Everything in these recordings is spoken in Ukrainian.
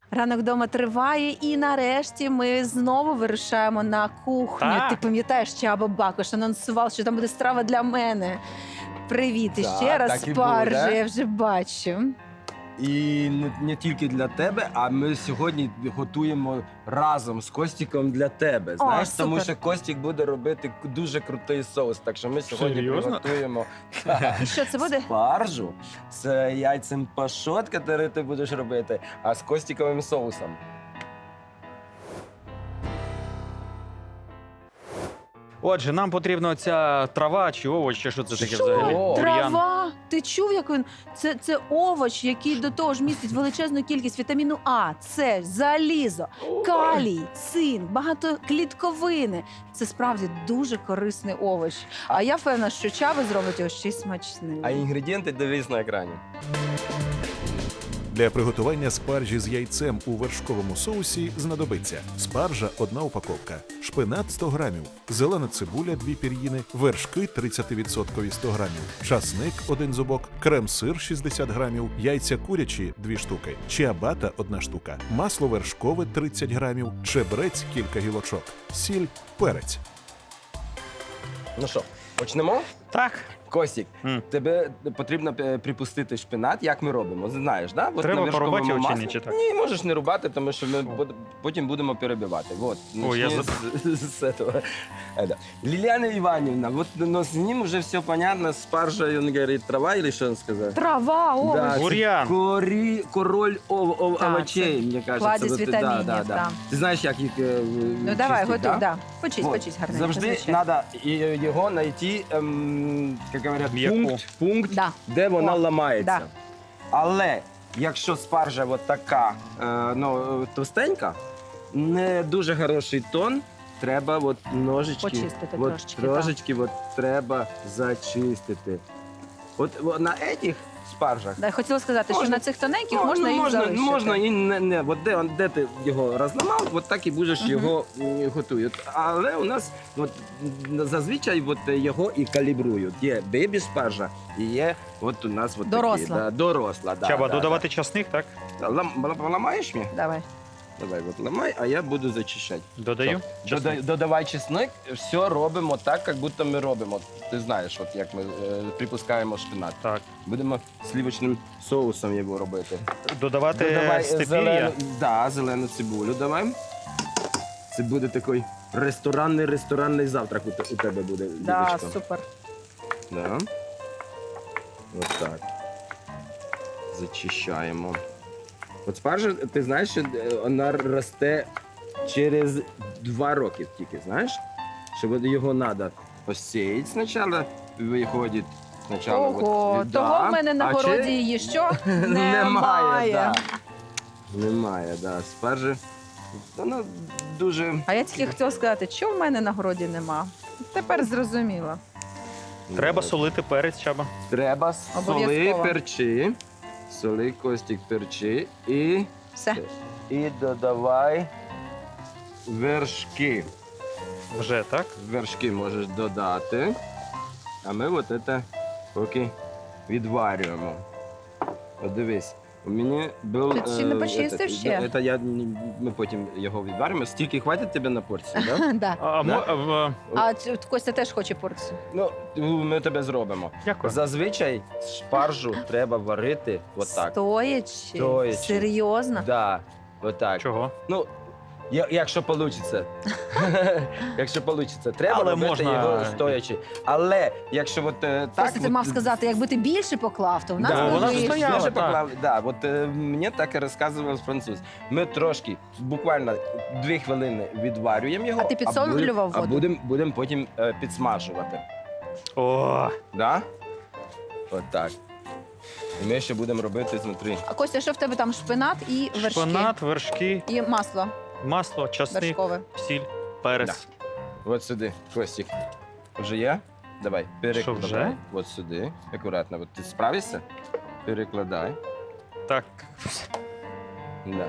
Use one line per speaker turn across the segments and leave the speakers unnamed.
Ранок вдома триває, і нарешті ми знову вирушаємо на кухню.
Так.
Ти пам'ятаєш, Чаба Бакош анонсував, що там буде страва для мене. Привіт і
Так,
ще раз
так і
спаржа,
буде.
я вже бачу.
І не тільки для тебе, а ми сьогодні готуємо разом з Костіком для тебе. Знаєш, тому
супер.
що Костік буде робити дуже крутий соус. Так що ми сьогодні
Серйозно?
приготуємо
І що це буде?
спаржу з яйцем пашот, який ти будеш робити, а з костіковим соусом.
Отже, нам потрібна ця трава чи овоч, чи що це таке
Що?
взагалі?
О,
Бур'ян.
Трава. Ти чув, як він? Це овоч, який до того ж містить величезну кількість вітаміну А, С, залізо, калій, цинк, багато клітковини. Це справді дуже корисний овоч. А я впевнена, що Чаба зробить його ще й смачним.
А інгредієнти дивись на екрані.
Для приготування спаржі з яйцем у вершковому соусі знадобиться спаржа – 1 упаковка, шпинат – 100 грамів, зелена цибуля – 2 пір'їни, вершки – 30% 100 грамів, часник – 1 зубок, крем-сир – 60 грамів, яйця курячі – 2 штуки, чиабата – 1 штука, масло вершкове – 30 грамів, чебрець – кілька гілочок, сіль, перець.
Ну що, почнемо?
Так.
Костік,
М.
тебе потрібно припустити шпинат, як ми робимо. Знаєш, да? От
Треба
на вершковому
порубати його чи
маслі.
ні, чи так?
Ні, можеш не рубати, тому що ми потім будемо перебивати. Вот,
Ой, я
начни с этого. Это. Лилиана Ивановна, вот но с ним уже все понятно, спаржа, он говорит, трава или что он сказал?
Трава, овоч.
Да,
Бур'ян.
король
Так,
овочей, мне кажется.
кладезь
Вот,
вітамінів,
да.
так.
Ти знаєш, як їх
Ну давай,
чистити,
готуй,
да?
да. Почись,
Вот.
почись гарненько.
Завжди
звичайно.
треба його знайти, як говорять,
М'яку.
пункт,
Да.
де вона
О,
ламається.
да.
Але якщо спаржа от така товстенька, не дуже хороший тон, треба от ножички,
Почистити
от
трошечки,
трошечки от треба зачистити. От на цих спаржах
Да, хотіла сказати, що
Можна-
на цих тоненьких можна їх залишити.
можна і не. От де ти його розламав, от так і будеш його готують. Але у нас от, зазвичай от, його і калібрують. Є бебі спаржа і є от у нас от
Доросла.
такі. Да, доросла. Да,
Чаба,
да,
додавати часник, так?
Да. Ламаєш мені?
Давай.
Давай, от ламай, а я буду зачищати.
Додаю. Часник.
Додавай чесник, все робимо так, як будто ми робимо. Ти знаєш, от як ми припускаємо шпинат.
Так.
Будемо сливочним соусом його робити.
Додавати
Додавай
степір'я.
зелену цибулю давай. Це буде такий ресторанний завтрак у тебе буде,
Да,
дівчинка.
супер.
Да. Ось так. Зачищаємо. От спаржа, ти знаєш, що вона росте через 2 роки тільки, знаєш? Що от його треба посіяти спочатку, виходить спочатку.
Ого,
от,
того в мене на
а
городі
чи-
її що?
Немає, да. Немає, да. Спаржі. Вона дуже.
А я тільки хотіла сказати, що в мене на городі нема. Тепер зрозуміла.
Треба солити перець, Чаба.
Треба соли,
Обов'язково.
перчи. Соли, Костік, перчи
Все.
і додавай вершки.
Вже, так?
Вершки можеш додати. А ми от це поки відварюємо. От дивись. У мене був...
Ти ще не почистив ще?
Ми потім його відваримо. Стільки хватить тебе на порцію, так?
Да.
А,
Да.
А Костя теж хоче порцію.
Ну, ми тебе зробимо.
Дякую.
Зазвичай спаржу треба варити отак.
Стоячи?
Стоячи.
Серйозно?
Да, отак.
Чого?
Ну, якщо вийде. Якщо вийде. Треба
Але
робити
можна-
його стоячи. Але якщо от так...
Костя, ти
от-
мав сказати, якби ти більше поклав, то в нас
Да,
би
вона ж
вийшло.
стояла.
Більше
так.
поклав, да, от мені так і розказував француз. Ми трошки, буквально 2 хвилини відварюємо його.
А ти підсолював
А
воду?
будемо потім підсмажувати.
О,
Да? От так. І ми ще будемо робити знутрі.
А Костя, що в тебе там? Шпинат і вершки?
шпинат, вершки,
І масло
масло, часник,
вершкове.
сіль, перець.
От сюди, Костік. Вже є? Давай, перекладай.
вже?
От сюди. Акуратно. От ти справишся? Перекладай.
Так.
Да.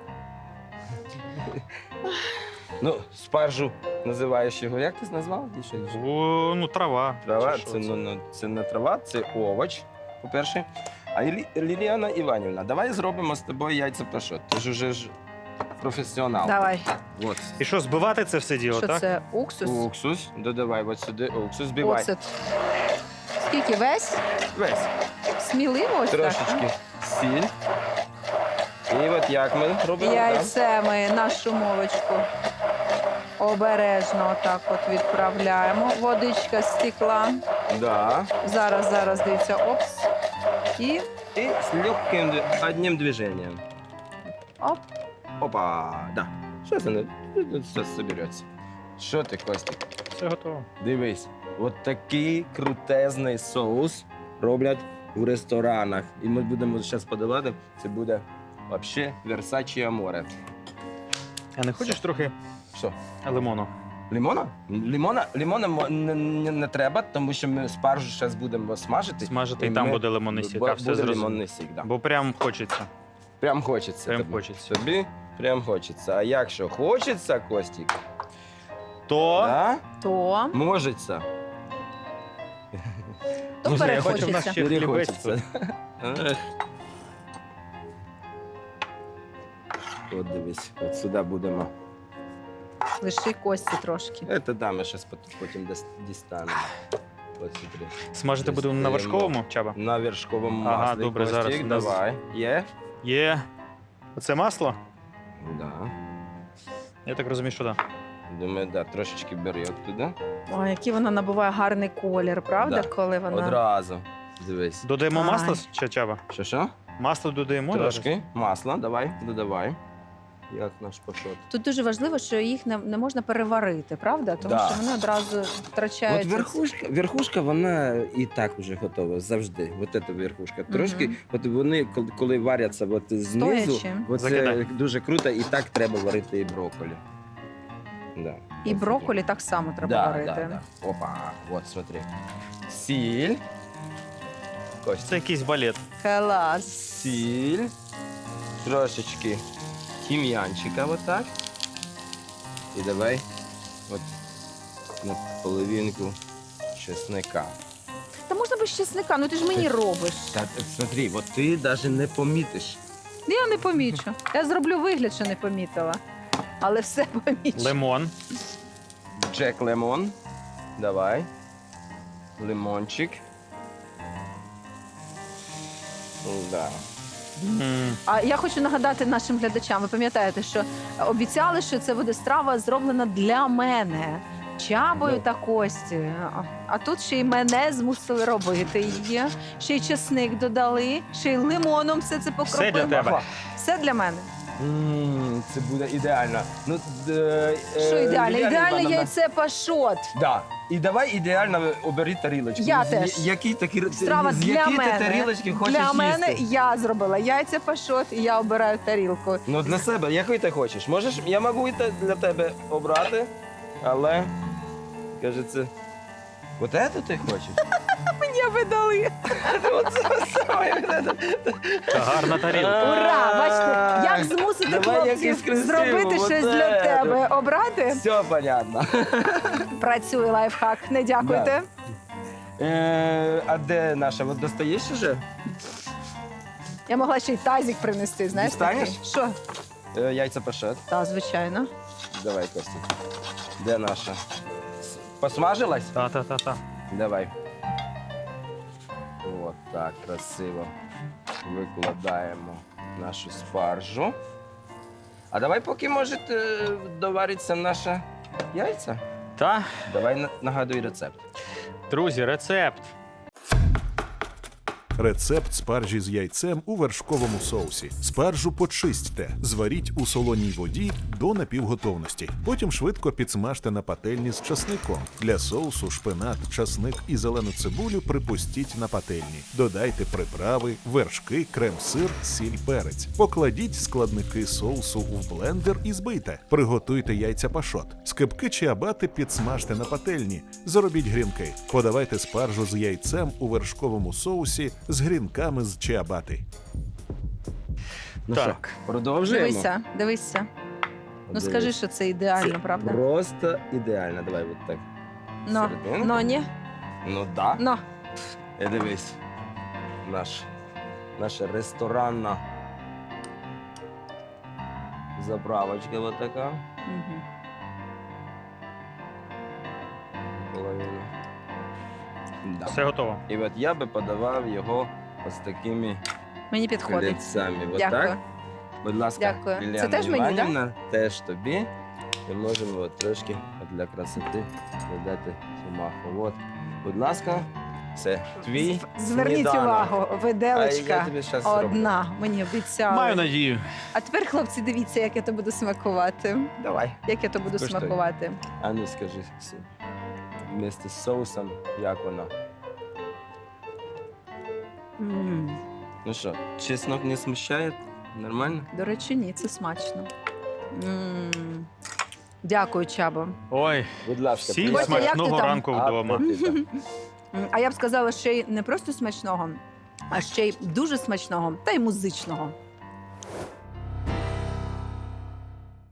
Ну, спаржу називаєш його. Як ти назвав? Ще-
Ну, трава.
Трава,
Чи що
це не трава, це овоч, по-перше. А Ліліана Іванівна, давай зробимо з тобою яйця пашот. Ти ж уже професіонал.
Давай.
От.
І що, збивати це все діло,
Що
так?
це? Уксус?
Уксус, додавай от сюди уксус, збивай.
Оцет. Скільки? Весь?
Весь.
Сміливо ось так?
Трошечки сіль. І от як ми робимо?
Яйце ми на шумовочку обережно отак от відправляємо. Водичка стекла.
Да.
Зараз, дивіться, опс. І
І з легким одним движенням.
оп.
Опа, да. Що це? Все собереться. Що ти, Костік?
Все готово.
Дивись, от такий крутезний соус роблять у ресторанах. І ми будемо зараз подавати. Це буде взагалі Versace Amore.
А не хочеш трохи
Що?
лимону?
Лимона? Лимона не треба, тому що ми спаржу зараз будемо смажити.
Смажити, і там
ми-
буде лимонний сік. А, все
Буде
зрозуміло.
лимонний сік, да.
Бо прям хочеться.
Прям хочеться.
Прям
тобі.
хочеться.
Тобі прям хочеться. А якщо хочеться, Костік,
То
да?
То
Можеться.
Друзі, я хочу в нас
перехочеться.
ще хлібець.
Хочеться. Ех. От дивись, от сюди будемо.
Лиши кості трошки.
Це да, ми зараз потім дістанемо. От смотри.
Смажити будемо на вершковому, Чаба?
На вершковому
Ага,
маслі.
добре,
Костік,
зараз у нас-
давай. Є?
Є. Оце масло?
Да.
Я так розумію, що так.
Думаю, да, трошечки бери туди.
Ой, який вона набуває гарний колір, правда?
Да.
Коли вона.
Одразу. Дивись.
Додаємо
Ай.
масло, чи Чаба?
Що?
Масло додаємо зараз?
Трошки масла, давай, додавай. Як наш пашот.
Тут дуже важливо, що їх не можна переварити, правда? Тому
Да.
що вони одразу втрачають.
От верхушка, вона і так вже готова завжди. От ця верхушка. Трошки, от вони, коли варяться от знизу,
Стоячи.
от це
Закидай.
дуже круто, і так треба варити і брокколі. Да.
І брокколі так само треба
да,
варити.
Да, да. Опа, от смотри. Сіль. Костя.
Це якийсь балет.
Клас.
Сіль. Трошечки тім'янчика отак. І давай от на половинку чесника.
Та можна без чесника, ну ти ж мені робиш.
Та смотри, от ти навіть не помітиш.
Я не помічу. Я зроблю вигляд, що не помітила. Але все помічу.
Лимон.
Джек Лемон. Давай. Лимончик. Да.
М,
А я хочу нагадати нашим глядачам. Ви пам'ятаєте, що обіцяли, що це буде страва зроблена для мене. Чабою
Ну.
та Кості. А тут ще й мене змусили робити її. Ще й чесник додали, ще й лимоном все це покропили.
Все для тебе.
Ага.
Все для мене.
Це буде ідеально. Ну,
Що ідеально?
Ліліана
Ідеальне
Івановна,
яйце пашот.
Да. І давай ідеально обери тарілочку.
Я
З
теж.
Які такі
Страва
з
для
які ти
мене.
тарілочки хочеш
Для
їсти?
мене я зробила яйця пашот, і я обираю тарілку.
Ну, для себе, який ти хочеш? Можеш, я можу і для тебе обрати, але, кажеться, от це ти хочеш?
Мені видали.
Оце саме.
Та гарна тарілка.
Ура! Бачите, як змусити
Давай якийсь
хлопців
красивий,
зробити
вот
щось
це.
для тебе. Обрати?
Все понятно.
Працює лайфхак. Не дякуйте.
А де наша? От достаєш уже?
Я могла ще й тазик принести, знаєш?
Дістанеш?
такий. Що?
Яйця пашет.
Так, звичайно.
Давай, Костя. Де наша? Посмажилась?
Та-та-та-та.
Давай. От так, красиво. Викладаємо нашу спаржу. А давай поки може довариться наша яйця.
Та,
Давай нагадуй рецепт.
друзі, рецепт.
Рецепт спаржі з яйцем у вершковому соусі. Спаржу почистьте, зваріть у солоній воді до напівготовності. Потім швидко підсмажте на пательні з часником. Для соусу шпинат, часник і зелену цибулю припустіть на пательні. Додайте приправи, вершки, крем-сир, сіль, перець. Покладіть складники соусу в блендер і збийте. Приготуйте яйця пашот. Скибки чи абати підсмажте на пательні. Заробіть грінки. Подавайте спаржу з яйцем у вершковому соусі з грінками з чиабати.
Ну
Так.
що, продовжуємо?
Дивися. Ну
Дивись.
скажи, що це ідеально, правда?
Просто ідеально. Давай от так.
Ну,
Серединку.
ні.
Ну да.
Ну.
Дивись. Наш наша ресторанна заправочка вот така.
Мгм.
Половину. Да.
Все готово.
І от я би подавав його ось такими
Мені підходить.
клецями. Вот
Дякую.
так. Будь ласка,
Дякую. Це
Ліляна
теж мені, да?
Іванівна, теж тобі. І можемо от трошки для красоти додати цю маху. От, будь ласка, це твій
Зверніть
сніданок.
увагу,
А я
виделочка
тобі щас зроблю.
одна, мені обіцяли.
Маю надію.
А тепер, хлопці, дивіться, як я то буду смакувати.
Давай.
Як я то буду
Скуштуй.
смакувати.
А ну скажи, вместе з соусом, як воно?
М.
Ну що, чеснок не смущає? Нормально?
До речі, ні, це смачно. М. Дякую, Чабо.
Ой,
Будь ласка,
всім
Костя, як ти
смачного
там?
ранку вдома.
Апетита.
А я б сказала, ще й не просто смачного, а ще й дуже смачного та й музичного.